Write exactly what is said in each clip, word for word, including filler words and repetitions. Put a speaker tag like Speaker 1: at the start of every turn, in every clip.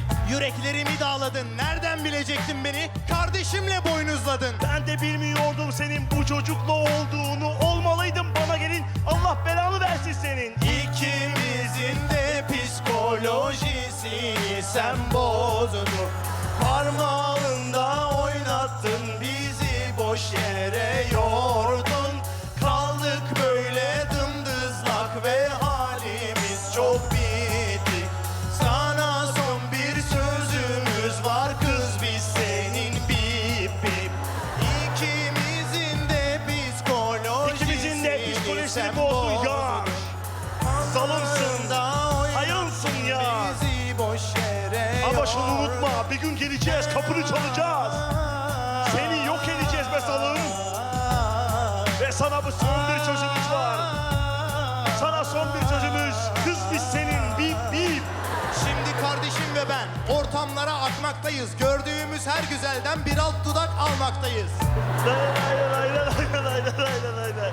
Speaker 1: Yüreklerimi dağladın. Nereden bilecektin beni? Kardeşimle boynuzladın.
Speaker 2: Ben de bilmiyordum senin bu çocukla olduğunu. Olmalıydın bana gelin. Allah belanı versin senin.
Speaker 1: İkimizin de psikolojisini sen bozdun. Parmağında oynattın bizi, boş yere yordun. Kaldık böyle dımdızlak ve halimiz çok bitti. Sana son bir sözümüz var kız, biz senin bip bip. İkimizin de psikolojisini,
Speaker 2: İkimizin de psikolojisini
Speaker 1: sen
Speaker 2: bozdun ya.
Speaker 1: bozdun.
Speaker 2: Salımsın, hayınsın ya.
Speaker 1: Bizi boş yere
Speaker 2: Ama şunu
Speaker 1: yordun.
Speaker 2: unutma, bir gün geleceğiz, kapını çalacağız. Seni yok edeceğiz be salım. Ve sana bu son bir sözümüz var. Sana son bir sözümüz, kız biz senin, bip bip.
Speaker 1: Şimdi kardeşim ve ben ortamlara akmaktayız. Gördüğümüz her güzelden bir alt dudak almaktayız.
Speaker 2: Lay lay lay lay lay lay lay lay lay.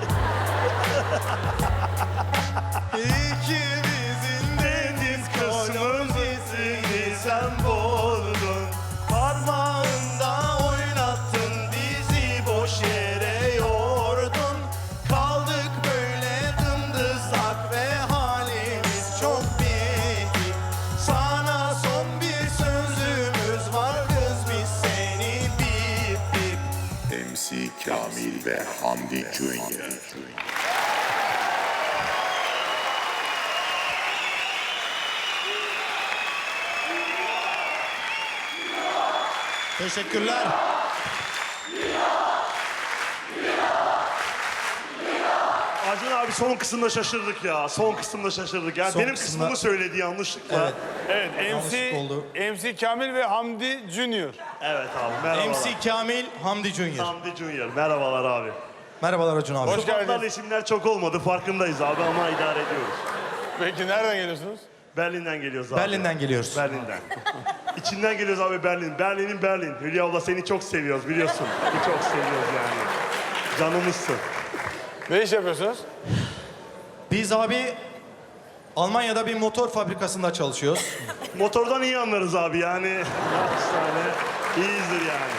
Speaker 1: İkimizin deniz psikolojisini sen bozdun. Parmağında oynattın bizi, boş yere yordun. Kaldık böyle dımdızlak ve halimiz çok bitti. Sana son bir sözümüz var kız, biz seni bip bip.
Speaker 3: M C Kamil ve Hamdi Junior
Speaker 1: Teşekkürler.
Speaker 2: Acun abi son kısımda şaşırdık ya. Son kısımda şaşırdık. Yani
Speaker 1: Son
Speaker 2: benim
Speaker 1: kısımda-
Speaker 2: kısmımı söyledi yanlışlıkla.
Speaker 1: Evet.
Speaker 2: Evet,
Speaker 4: Evet, M C,
Speaker 1: Yanlışlık oldu.
Speaker 4: M C Kamil ve Hamdi Junior.
Speaker 2: evet abi merhabalar.
Speaker 1: M C Kamil, Hamdi Junior.
Speaker 2: Hamdi Junior. Merhabalar abi.
Speaker 1: Merhabalar Acun abi.
Speaker 4: Hoş
Speaker 2: Sıfatlarla
Speaker 4: geldiniz.
Speaker 2: isimler çok olmadı farkındayız abi ama idare ediyoruz.
Speaker 4: Peki nereden geliyorsunuz?
Speaker 2: Berlin'den geliyoruz abi.
Speaker 1: Berlin'den geliyoruz.
Speaker 2: Berlin'den. İçinden geliyoruz abi Berlin. Berlin'in Berlin. Hülya abla seni çok seviyoruz biliyorsun. Seni çok seviyoruz yani. Canımızsın.
Speaker 4: Ne iş yapıyorsunuz?
Speaker 1: Biz abi Almanya'da bir motor fabrikasında çalışıyoruz.
Speaker 2: Motordan iyi anlarız abi yani. Hastane iyiyizdir yani.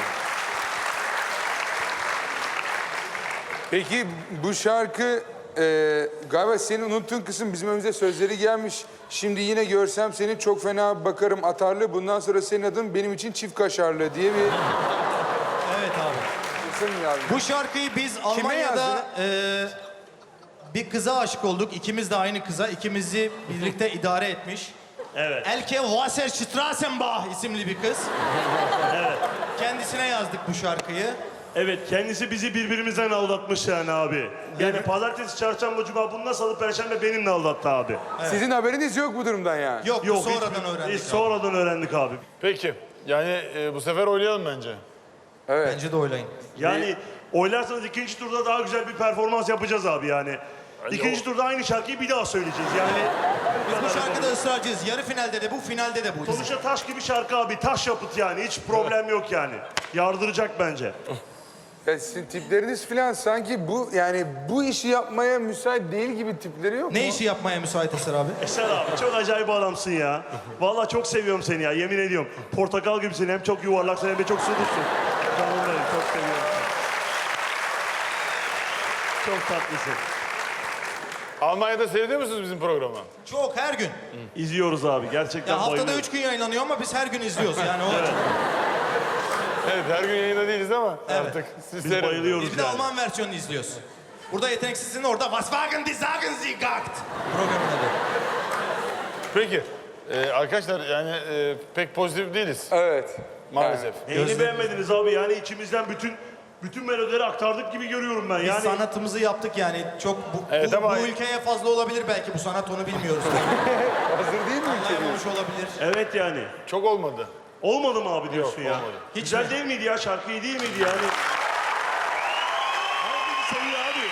Speaker 5: Peki bu şarkı e, galiba senin unuttuğun kısım bizim önümüze sözleri gelmiş. Şimdi yine görsem seni çok fena bakarım atarlı. Bundan sonra senin adın benim için çift kaşarlı diye bir
Speaker 1: Evet abi.
Speaker 5: kısım yazmış.
Speaker 1: Bu şarkıyı biz Almanya'da
Speaker 5: yazdın?
Speaker 1: eee, bir kıza aşık olduk. İkimiz de aynı kıza. İkimizi birlikte idare etmiş.
Speaker 2: Evet.
Speaker 1: Elke Wasserstrassenbach isimli bir kız.
Speaker 2: Evet.
Speaker 1: Kendisine yazdık bu şarkıyı.
Speaker 2: Evet kendisi bizi birbirimizden aldatmış yani abi. Yani pazartesi, çarşamba, cuma bununla salı, perşembe benimle aldattı abi.
Speaker 5: Sizin haberiniz yok bu durumdan yani.
Speaker 1: Yok,
Speaker 2: Yok
Speaker 1: bu sonradan
Speaker 2: hiç-
Speaker 1: öğrendik.
Speaker 2: hiç
Speaker 1: abi.
Speaker 2: sonradan öğrendik abi.
Speaker 4: Peki. Yani e, bu sefer oynayalım bence.
Speaker 5: Evet.
Speaker 1: Bence de oylayın.
Speaker 2: Yani oylarsanız ikinci turda daha güzel bir performans yapacağız abi yani. İkinci turda aynı şarkıyı bir daha söyleyeceğiz yani.
Speaker 1: Biz bu şarkıda ısrarcıyız. Yarı finalde de bu, finalde de bu.
Speaker 2: Sonuçta taş gibi şarkı abi, taş yapıt yani. Hiç problem yok yani. Yardıracak bence.
Speaker 5: Ya sizin tipleriniz falan sanki bu yani bu işi yapmaya müsait değil gibi tipleri yok mu?
Speaker 1: Ne işi yapmaya müsait Eser abi?
Speaker 2: Eser abi çok acayip adamsın ya. Vallahi çok seviyorum seni ya, yemin ediyorum. Portakal gibisin, hem çok yuvarlaksın hem de çok sulusun. Canım benim, çok seviyorum seni. Çok tatlısın.
Speaker 4: Almanya'da seyrediyor musunuz bizim programı?
Speaker 1: Çok, her gün.
Speaker 2: İzliyoruz abi, gerçekten
Speaker 1: Ya haftada
Speaker 2: bayılıyorum.
Speaker 1: üç gün yayınlanıyor ama biz her gün izliyoruz. Yani o
Speaker 4: Evet, her gün yayında değiliz ama artık siz
Speaker 2: Biz
Speaker 4: seyredin.
Speaker 2: bayılıyoruz
Speaker 1: Biz bir de
Speaker 2: yani.
Speaker 1: Alman versiyonunu izliyoruz. Burada Yeteneksiz'in orada Was wagen die sagen Sie gakt programın adı.
Speaker 4: Peki. e, arkadaşlar yani e, pek pozitif değiliz
Speaker 5: Evet.
Speaker 4: maalesef.
Speaker 2: Neyini beğenmediniz abi yani içimizden bütün bütün melodileri aktardık gibi görüyorum ben
Speaker 1: Biz
Speaker 2: yani.
Speaker 1: sanatımızı yaptık yani. Çok bu,
Speaker 4: Evet
Speaker 1: bu,
Speaker 4: ama-
Speaker 1: bu ülkeye fazla olabilir belki bu sanat, onu bilmiyoruz.
Speaker 5: Hazır değil mi ülke?
Speaker 1: Anlayamamış olabilir.
Speaker 2: Evet yani.
Speaker 4: Çok olmadı.
Speaker 2: Olmadı mı abi diyorsun
Speaker 4: Yok,
Speaker 2: ya?
Speaker 4: olmadı.
Speaker 1: Hiç
Speaker 2: Güzel
Speaker 1: mi?
Speaker 2: değil miydi ya? Şarkı iyi değil miydi yani? Abi seviyor abi.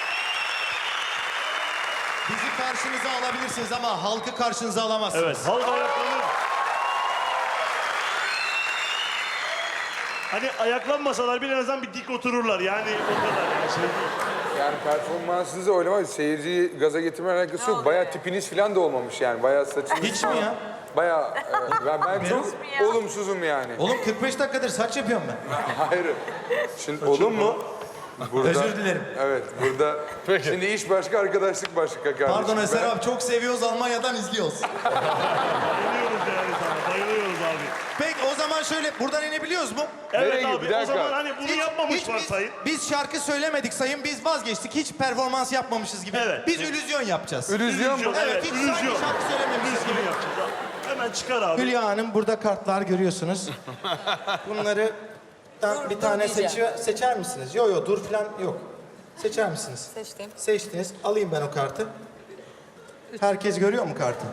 Speaker 1: Bizi karşınıza alabilirsiniz ama halkı karşınıza alamazsınız.
Speaker 2: Evet, halk ayaklanır. Hani ayaklanmasalar bile en azından bir dik otururlar yani o kadar yani şey değil.
Speaker 5: Yani performansınızı oynama, seyirciyi gaza getirme alakası yok. Bayağı tipiniz falan da olmamış yani. Bayağı saçınız.
Speaker 1: Hiç mi ya?
Speaker 5: Bayağı e, ben, ben çok olumsuzum yani.
Speaker 1: Oğlum kırk beş dakikadır saç yapıyorum ben.
Speaker 5: Hayır. Şimdi olum mu? Burada,
Speaker 1: Özür dilerim.
Speaker 5: Evet burada.
Speaker 4: Peki.
Speaker 5: Şimdi iş başka, arkadaşlık başka kardeşim.
Speaker 1: Pardon Eser
Speaker 5: Ben-
Speaker 1: abi, çok seviyoruz, Almanya'dan izliyoruz.
Speaker 2: Bayılıyoruz yani sana. Bayılıyoruz abi.
Speaker 1: Peki o zaman şöyle buradan inebiliyoruz mu?
Speaker 2: Evet
Speaker 5: Nereye
Speaker 2: abi
Speaker 5: gidiyor? Bir
Speaker 2: o
Speaker 5: dakika.
Speaker 2: zaman hani bunu
Speaker 1: Hiç-
Speaker 2: yapmamış
Speaker 1: hiç biz-
Speaker 2: varsayın.
Speaker 1: Biz şarkı söylemedik sayın, biz vazgeçtik. Hiç performans yapmamışız gibi.
Speaker 2: Evet.
Speaker 1: Biz illüzyon yapacağız.
Speaker 5: Illüzyon mu?
Speaker 1: Evet,
Speaker 2: Evet,
Speaker 1: hiç
Speaker 2: illüzyon.
Speaker 1: sanki şarkı söylememişiz gibi.
Speaker 2: Gibi yapacağız abi. Hemen çıkar abi.
Speaker 1: Hülya Hanım, burada kartlar görüyorsunuz. Bunları
Speaker 6: Dur,
Speaker 1: bir
Speaker 6: dur
Speaker 1: tane
Speaker 6: diyeceğim.
Speaker 1: seçiyor, seçer misiniz? Yok yok, dur falan yok. Seçer misiniz?
Speaker 6: Seçtim.
Speaker 1: Seçtiniz. Alayım ben o kartı. Herkes görüyor mu kartı?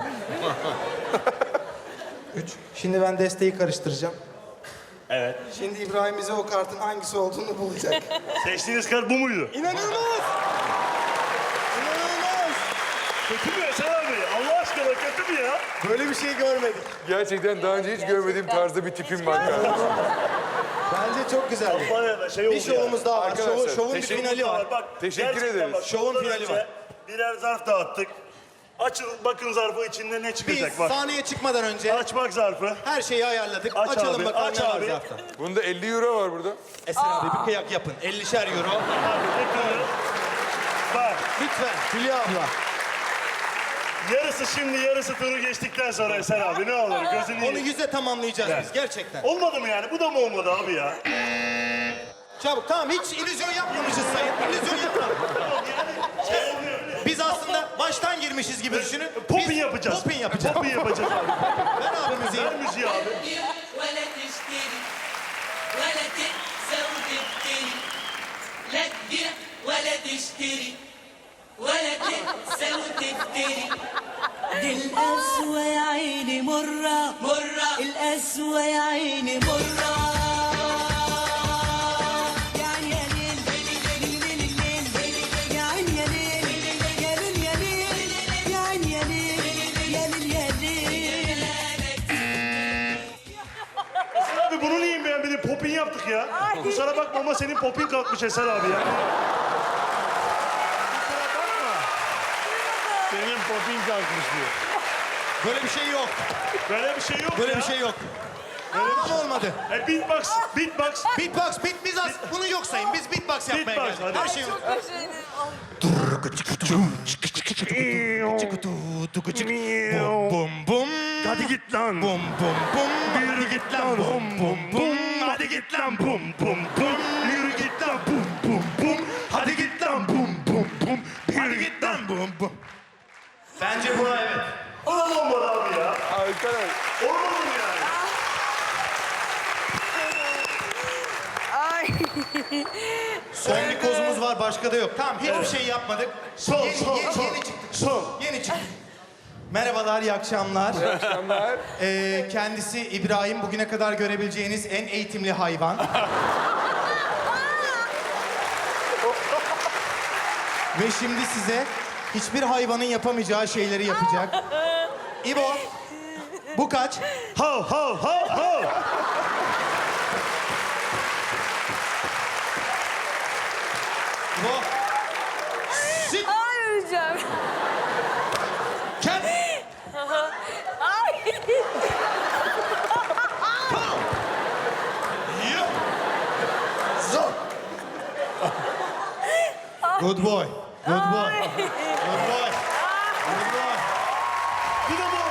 Speaker 1: Üç. Şimdi ben desteği karıştıracağım.
Speaker 2: Evet.
Speaker 1: Şimdi İbrahim bize o kartın hangisi olduğunu bulacak.
Speaker 2: Seçtiğiniz kart bu muydu?
Speaker 1: İnanılmaz! İnanılmaz!
Speaker 2: Kötü mü Eser abi? Allah aşkına kötü mü ya?
Speaker 1: Böyle bir şey görmedik.
Speaker 5: Gerçekten daha önce hiç görmediğim tarzda bir tipim var kardeşim.
Speaker 1: Bence çok güzeldi.
Speaker 2: Bana da şey oldu
Speaker 1: Bir şovumuz daha var.
Speaker 5: Arkadaşlar,
Speaker 1: Şovu, şovun bir
Speaker 5: teşekkür-
Speaker 1: finali var.
Speaker 2: Bak,
Speaker 5: Teşekkür
Speaker 2: gerçekten
Speaker 5: ederiz.
Speaker 2: Bak,
Speaker 1: Şovun
Speaker 2: bundan
Speaker 1: finali
Speaker 2: önce
Speaker 1: var.
Speaker 2: Birer zarf dağıttık. Açın bakın zarfı içinde ne
Speaker 1: Biz
Speaker 2: çıkacak bak.
Speaker 1: sahneye çıkmadan önce
Speaker 2: Açmak zarfı.
Speaker 1: her şeyi ayarladık.
Speaker 2: Aç
Speaker 1: Açalım
Speaker 2: abi,
Speaker 1: bakalım
Speaker 2: aç
Speaker 1: ne var
Speaker 2: abi.
Speaker 1: zarfta.
Speaker 5: Bunda elli euro var burada.
Speaker 1: Eser abi bir kıyak yapın. ellişer euro.
Speaker 2: Abi bakın. Bak
Speaker 1: Lütfen Hülya abla.
Speaker 2: yarısı şimdi yarısı turu geçtikten sonra Eser abi ne olur gözünü
Speaker 1: Onu
Speaker 2: yiyeyim.
Speaker 1: yüze tamamlayacağız biz gerçekten.
Speaker 2: Olmadı mı yani? Bu da mı olmadı abi ya?
Speaker 1: Çabuk, tamam, hiç illüzyon yapmamışız sayın. İllüzyon yapmadık. Biz aslında baştan girmişiz gibi düşünün.
Speaker 2: Popin
Speaker 1: Biz
Speaker 2: yapacağız.
Speaker 1: Popin yapacağız.
Speaker 2: Popin yapacağız abi.
Speaker 1: Ver abi müziği.
Speaker 2: Ver müziği abi.
Speaker 7: ولا تشتري ولا تنسى وتبتري لا تبيع ولا تشتري ولا تنسى وتبتري
Speaker 8: دي القسوة يا عيني مرة
Speaker 7: مرة
Speaker 8: القسوة يا عيني مرة يعني يا ليل ليل ليل الليل يا عيني يا ليل يا ليل يا ليل يا عيني يا ليل يا ليل يا ليل
Speaker 2: Eser abi bunu niye beğenmedin? Popin yaptık ya. Kusura bakma ama senin popin kalkmış Eser abi ya.
Speaker 4: Senin popin kalkmış diyor.
Speaker 1: Böyle bir şey yok.
Speaker 2: Böyle bir şey yok
Speaker 1: Böyle
Speaker 2: ya.
Speaker 1: bir şey yok. Böyle bir şey olmadı.
Speaker 2: E, beatbox, beatbox.
Speaker 1: Beatbox, beat, biz az, bunu yok sayın. Biz beatbox yapmaya
Speaker 2: Beatbox,
Speaker 1: geldik.
Speaker 2: hadi.
Speaker 1: Her şey
Speaker 6: Çok teşekkür ederim.
Speaker 1: Bum bum bum.
Speaker 2: Hadi git lan.
Speaker 1: Bum bum bum.
Speaker 2: Yürü git lan. Bum bum bum. Hadi git lan. Bum bum bum. Yürü git lan. Bum bum bum. Hadi git lan. Bum bum bum. Yürü git lan.
Speaker 1: Bum bum. Bence buna evet.
Speaker 2: Olmadı abi ya.
Speaker 5: Arkadaş.
Speaker 2: Olmadı mı yani?
Speaker 6: Ay.
Speaker 1: Son bir kozumuz var, başka da yok. Tamam, hiçbir şey yapmadık.
Speaker 2: Son,
Speaker 1: yeni,
Speaker 2: son,
Speaker 1: yeni,
Speaker 2: son.
Speaker 1: yeni çıktık.
Speaker 2: Son.
Speaker 1: Yeni çıktık. Merhabalar, iyi akşamlar.
Speaker 5: Akşamlar.
Speaker 1: Ee, kendisi İbrahim, bugüne kadar görebileceğiniz en eğitimli hayvan. Ve şimdi size hiçbir hayvanın yapamayacağı şeyleri yapacak. İbo, bu kaç?
Speaker 2: Hav hav hav hav.
Speaker 1: İbo. Sit.
Speaker 6: Ay öleceğim.
Speaker 1: Ken.
Speaker 6: Ay.
Speaker 1: Yuh. Zo. Good boy. Good boy. Good boy. Good boy.
Speaker 2: Bu da mı